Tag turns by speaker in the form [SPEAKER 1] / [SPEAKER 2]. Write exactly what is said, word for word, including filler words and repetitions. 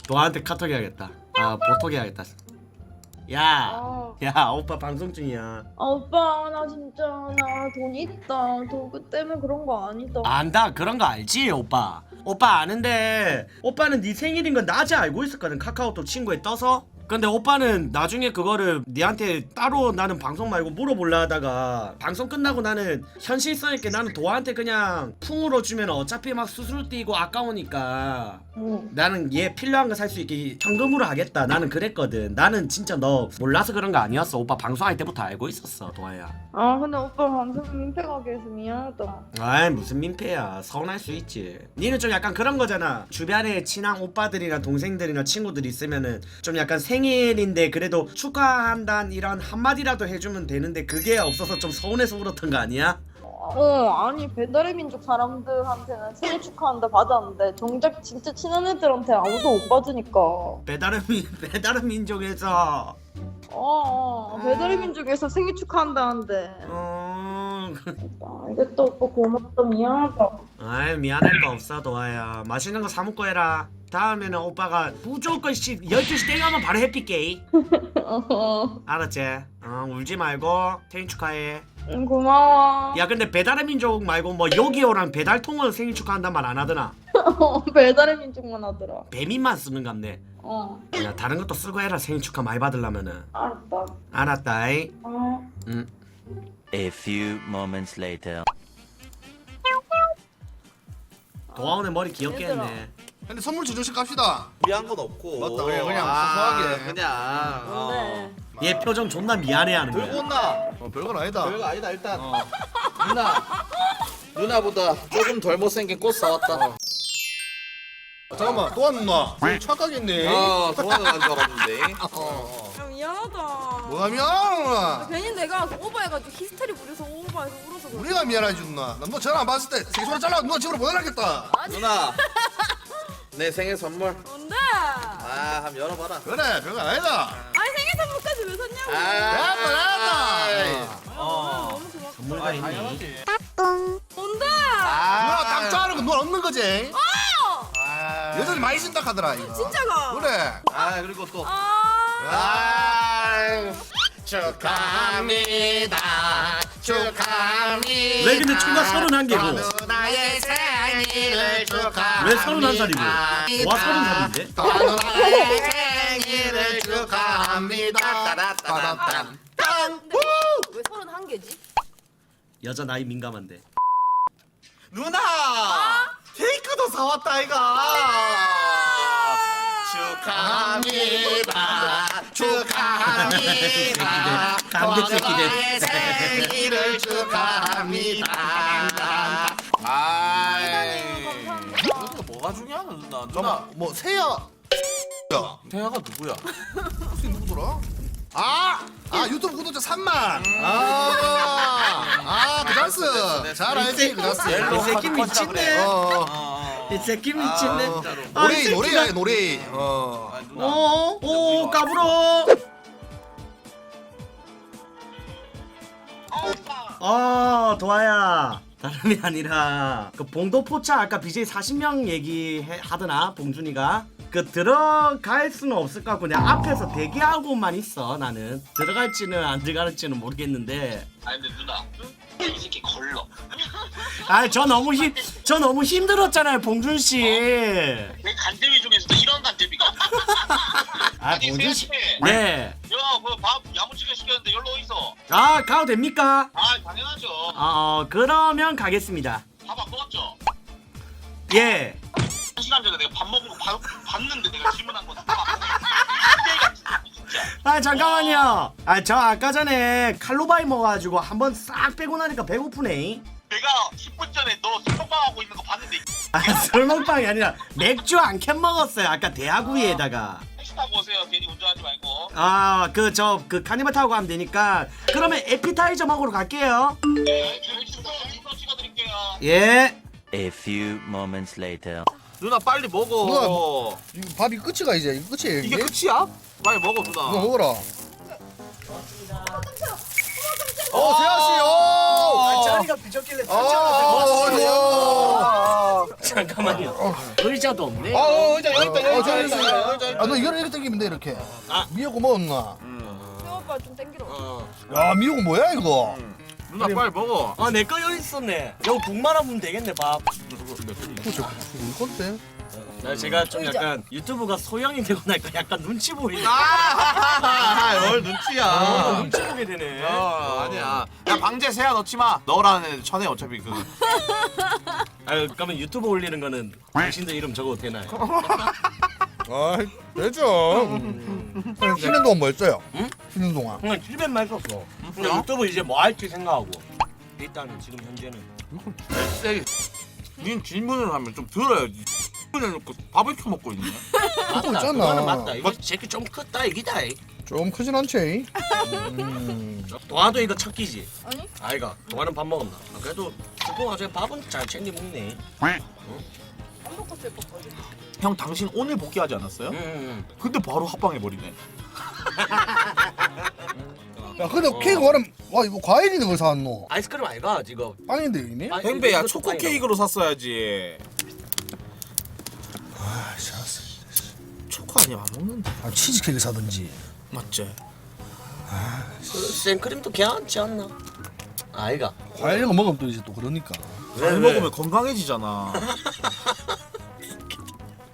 [SPEAKER 1] 너한테 카톡 해야겠다. 아 보톡 해야겠다. 야,
[SPEAKER 2] 아,
[SPEAKER 1] 야 오빠 방송 중이야.
[SPEAKER 2] 아 오빠 나 진짜 나 돈 있다. 도구 때문에 그런 거 아니다.
[SPEAKER 1] 안다 그런 거 알지 오빠. 오빠 아는데 오빠는 네 생일인 건 낮에 알고 있었거든. 카카오톡 친구에 떠서. 근데 오빠는 나중에 그거를 니한테 따로 나는 방송 말고 물어볼라 하다가 방송 끝나고 나는 현실성 있게 나는 도아한테 그냥 풍으로 주면 어차피 막 수수료 띄고 아까우니까
[SPEAKER 2] 응.
[SPEAKER 1] 나는 얘 필요한 거 살 수 있게 현금으로 하겠다. 나는 그랬거든. 나는 진짜 너 몰라서 그런 거 아니었어. 오빠 방송할 때부터 알고 있었어 도아야.
[SPEAKER 2] 아 근데 오빠 방송 민폐가게 해서 미안하다.
[SPEAKER 1] 아이 무슨 민폐야. 서운할 수 있지. 니는 좀 약간 그런 거잖아. 주변에 친한 오빠들이나 동생들이나 친구들 있으면은 좀 약간 생일인데 그래도 축하한다는 이런 한마디라도 해주면 되는데 그게 없어서 좀 서운해서 울었던 거 아니야?
[SPEAKER 2] 어 아니 배달의 민족 사람들한테는 생일 축하한다 받았는데 정작 진짜 친한 애들한테 아무도 못 받으니까.
[SPEAKER 1] 배달의 민 배달의 민족에서
[SPEAKER 2] 어, 어 배달의 민족에서 생일 축하한다는데.
[SPEAKER 1] 어
[SPEAKER 2] 알겠다 오빠 고맙다 미안하다.
[SPEAKER 1] 아이 미안할 거 없어 도아야. 맛있는 거 사 먹고 해라. 다음에는 오빠가 무조건 씨 열두 시 땡하면 바로 해피게이.
[SPEAKER 2] 어,
[SPEAKER 1] 알았지? 어 울지 말고 생일 축하해.
[SPEAKER 2] 응, 고마워.
[SPEAKER 1] 야 근데 배달의 민족 말고 뭐 요기요랑 배달통은 생일 축하한단 말 안 하더나.
[SPEAKER 2] 배달의 민족만 하더라.
[SPEAKER 1] 배민만 쓰는 갑네.
[SPEAKER 2] 어
[SPEAKER 1] 야 다른 것도 쓰고 해라. 생일 축하 많이 받으려면은.
[SPEAKER 2] 알았다.
[SPEAKER 1] 알았다이.
[SPEAKER 2] 어.
[SPEAKER 1] 응.
[SPEAKER 3] A few moments later.
[SPEAKER 1] 도아 오늘 머리 귀엽게
[SPEAKER 2] 얘들아.
[SPEAKER 1] 했네.
[SPEAKER 4] 근데 선물 주조식 갑시다.
[SPEAKER 5] 미안 건 없고.
[SPEAKER 4] 맞다, 그냥, 그냥
[SPEAKER 5] 아,
[SPEAKER 4] 소소하게.
[SPEAKER 5] 그냥.
[SPEAKER 2] 뭔데?
[SPEAKER 5] 어.
[SPEAKER 1] 얘 표정 존나 미안해하는
[SPEAKER 5] 들고
[SPEAKER 1] 거야.
[SPEAKER 5] 온나?
[SPEAKER 4] 어, 별건 아니다.
[SPEAKER 5] 별거 아니다 일단.
[SPEAKER 1] 어.
[SPEAKER 5] 누나. 누나보다 조금 덜 못생긴 꽃 사왔다.
[SPEAKER 4] 잠깐만, 또 왔나? 착각했네.
[SPEAKER 5] 아, 도와는 줄 알았는데.
[SPEAKER 4] 어, 어.
[SPEAKER 6] 야 미안하다.
[SPEAKER 4] 뭐가 미안하구나.
[SPEAKER 6] 괜히 내가 오버해가지고 히스테리 부려서 오버해서 울어서 그래.
[SPEAKER 4] 우리가 미안하지 누나. 나 너 전화 안 받았을 때 생소리 잘라 누나 집으로 보내라겠다.
[SPEAKER 5] 누나. 내 생일 선물.
[SPEAKER 6] 뭔데?
[SPEAKER 5] 아, 한번 열어봐라.
[SPEAKER 4] 그래, 별건 아니다.
[SPEAKER 6] 아니 생일 선물까지 왜 샀냐고.
[SPEAKER 4] 됐다, 됐다.
[SPEAKER 5] 어.
[SPEAKER 6] 너무 고맙다.
[SPEAKER 1] 선물가 있니?
[SPEAKER 6] 뭔데?
[SPEAKER 4] 누나 딱 좋아하는 거 누나 없는 거지?
[SPEAKER 5] 아.
[SPEAKER 4] 여전히 많이 쓴다 하더라 이거.
[SPEAKER 6] 진짜가.
[SPEAKER 4] 그래.
[SPEAKER 5] 아, 그리고 또.
[SPEAKER 6] 아.
[SPEAKER 5] 아. 축하합니다. 축하합니다.
[SPEAKER 1] 왜 근데 총각 서른한 개고?
[SPEAKER 5] 누나의 생일을 축하합니다.
[SPEAKER 1] 왜 서른한 살이고? 와 서른 살인데?
[SPEAKER 5] 누나의 생일을 축하합니다. 따라따라따.
[SPEAKER 6] 근데 왜 서른 한 개지?
[SPEAKER 1] 여자 나이 민감한데.
[SPEAKER 5] 누나! 케이크도 사왔다 이가. 축하합니다. 축하합니다.
[SPEAKER 1] 감격 새끼들.
[SPEAKER 5] 누나의 생일을 축하합니다. 아이.
[SPEAKER 6] 감사합니다.
[SPEAKER 5] 이것도 뭐가 중요하나 누나? 누나
[SPEAKER 4] 뭐 새야. 야,
[SPEAKER 5] 태아가 누구야?
[SPEAKER 4] 혹시 누구더라? 아, 아 유튜브 구독자 삼만. 아, 아, 그
[SPEAKER 5] 됐어,
[SPEAKER 4] 다스.
[SPEAKER 5] 됐어.
[SPEAKER 4] 잘 알지, 그 다스.
[SPEAKER 1] 이 새끼 미친네.
[SPEAKER 4] 어,
[SPEAKER 5] 어.
[SPEAKER 1] 이 새끼 미친네.
[SPEAKER 4] 어.
[SPEAKER 1] 아, 이
[SPEAKER 4] 노래,
[SPEAKER 1] 새끼가-
[SPEAKER 4] 노래야, 노래. 어.
[SPEAKER 5] 아, 누나.
[SPEAKER 1] 어, 오, 까불어. 아, 도아야. 다름이 아니라 그 봉도포차 아까 비제이 사십 명 얘기하더나 봉준이가 그 들어갈 수는 없을 것 같고 그냥 앞에서 대기하고만 있어. 나는 들어갈지는 안 들어갈지는 모르겠는데.
[SPEAKER 7] 아니 근데 누나 이 새끼 걸러.
[SPEAKER 1] 아, 저 너무 힘, 저 너무 힘들었잖아요, 봉준 씨.
[SPEAKER 7] 내 간대미 중에서도 이런 간대미가.
[SPEAKER 1] 아,
[SPEAKER 7] 아니,
[SPEAKER 1] 봉준 씨.
[SPEAKER 7] 세아씨.
[SPEAKER 1] 네.
[SPEAKER 7] 야그밥 야무지게 시켰는데 연락 있어.
[SPEAKER 1] 아, 가도 됩니까?
[SPEAKER 7] 아 당연하죠.
[SPEAKER 1] 아, 어, 그러면 가겠습니다.
[SPEAKER 7] 밥 안 먹었죠?
[SPEAKER 1] 예.
[SPEAKER 7] 한 시간 전에 내가 밥 먹은 거 봐- 봤는데 내가 질문한 거 다. 진짜.
[SPEAKER 1] 아, 잠깐만요. 아, 저 아까 전에 칼로바이 먹어가지고 한번 싹 빼고 나니까 배고프네.
[SPEAKER 7] 내가 십 분 전에 너 술먹방하고 있는 거 봤는데
[SPEAKER 1] 아, 술 먹방이 아니라 맥주 한 캔 먹었어요. 아까 대하구 위에다가.
[SPEAKER 7] 택시 타고 오세요. 괜히 운전하지 말고.
[SPEAKER 1] 아, 그 저 그 카니발 타고 가면 되니까. 그러면 에피타이저 먹으러 갈게요.
[SPEAKER 7] 네, 저희 주소 주소 찍어드릴게요.
[SPEAKER 1] 예.
[SPEAKER 3] A few moments later.
[SPEAKER 5] 누나 빨리 먹어.
[SPEAKER 4] 이거 밥이 끝이가 이제. 이거 끝이에요.
[SPEAKER 5] 이게 끝이야? 빨리 먹어 누나.
[SPEAKER 4] 이거 먹어라. 어, 세아 씨. 오!
[SPEAKER 1] 자리가 비쳤길래
[SPEAKER 4] 어, 어, 어, 어.
[SPEAKER 1] 잠깐만요. 의자도 없네.
[SPEAKER 5] 어 의자 여기 있다
[SPEAKER 4] 어,
[SPEAKER 5] 여기
[SPEAKER 4] 저기
[SPEAKER 5] 있다
[SPEAKER 4] 있어요.
[SPEAKER 5] 의자 있다.
[SPEAKER 4] 아, 너 이거를 이렇게 당기면 돼 이렇게.
[SPEAKER 1] 아.
[SPEAKER 4] 미역국 먹었나?
[SPEAKER 6] 새오빠 좀 땡기러.
[SPEAKER 1] 어.
[SPEAKER 4] 야, 미역국 뭐야 이거?
[SPEAKER 5] 누나 빨리 먹어.
[SPEAKER 1] 아, 내 거 여기 있었네. 여기 국만 하면 되겠네, 밥.
[SPEAKER 4] 그죠? 이거 건데?
[SPEAKER 1] 나 제가 좀 약간 유튜브가 소형이 되고 나니까 약간 눈치 보이네.
[SPEAKER 5] 아뭘 눈치야.
[SPEAKER 1] 아, 눈치 보게 되네.
[SPEAKER 5] 어 아니야. 야 방제 세야 넣지 마. 너라는 애 천에 어차피 그.
[SPEAKER 1] 아, 그러면 유튜브 올리는 거는 당신들 이름 적어도 되나요?
[SPEAKER 4] 아, 되죠. 음. 쉬는 동안 뭐 했어요?
[SPEAKER 1] 응?
[SPEAKER 4] 쉬는 동안.
[SPEAKER 1] 그냥 집에만 있었어. 근데 유튜브 이제 뭐 할지 생각하고. 일단은 지금 현재는.
[SPEAKER 5] 세게. 닌 질문을 하면 좀 들어야지. 질문을 놓고 밥을 켜 먹고 있네.
[SPEAKER 4] 하고
[SPEAKER 1] 맞다,
[SPEAKER 4] 있잖아.
[SPEAKER 1] 그거는 맞다. 이거 새끼 좀 컸다 이기다. 이.
[SPEAKER 4] 좀 크진 않지? 음.
[SPEAKER 1] 동아도 이거 첫 끼지?
[SPEAKER 6] 아니?
[SPEAKER 1] 아이가 동아는 밥 먹었나? 아, 그래도 동아 저 밥은 잘 챙겨 먹네.
[SPEAKER 6] 안 먹고 슬펐거든.
[SPEAKER 5] 형 당신 오늘 복귀하지 않았어요?
[SPEAKER 1] 음.
[SPEAKER 5] 근데 바로 합방해 버리네.
[SPEAKER 4] 야, 근데
[SPEAKER 1] 어.
[SPEAKER 4] 케이크 와는 와 이거 과일인데 왜 사왔노?
[SPEAKER 1] 아이스크림 아이가 지금.
[SPEAKER 4] 빵인데 이미?
[SPEAKER 1] 아,
[SPEAKER 5] 뱅배야
[SPEAKER 1] 이거
[SPEAKER 5] 초코
[SPEAKER 1] 빵이라고.
[SPEAKER 5] 케이크로 샀어야지.
[SPEAKER 4] 아, 샤스.
[SPEAKER 5] 초코 아니야 안 먹는데.
[SPEAKER 4] 아, 치즈 케이크 사든지.
[SPEAKER 5] 맞지?
[SPEAKER 1] 그 생크림도 괜찮지 않나? 아이가.
[SPEAKER 4] 과일 이런 거 먹으면 또 이제 또 그러니까.
[SPEAKER 5] 잘 먹으면 건강해지잖아.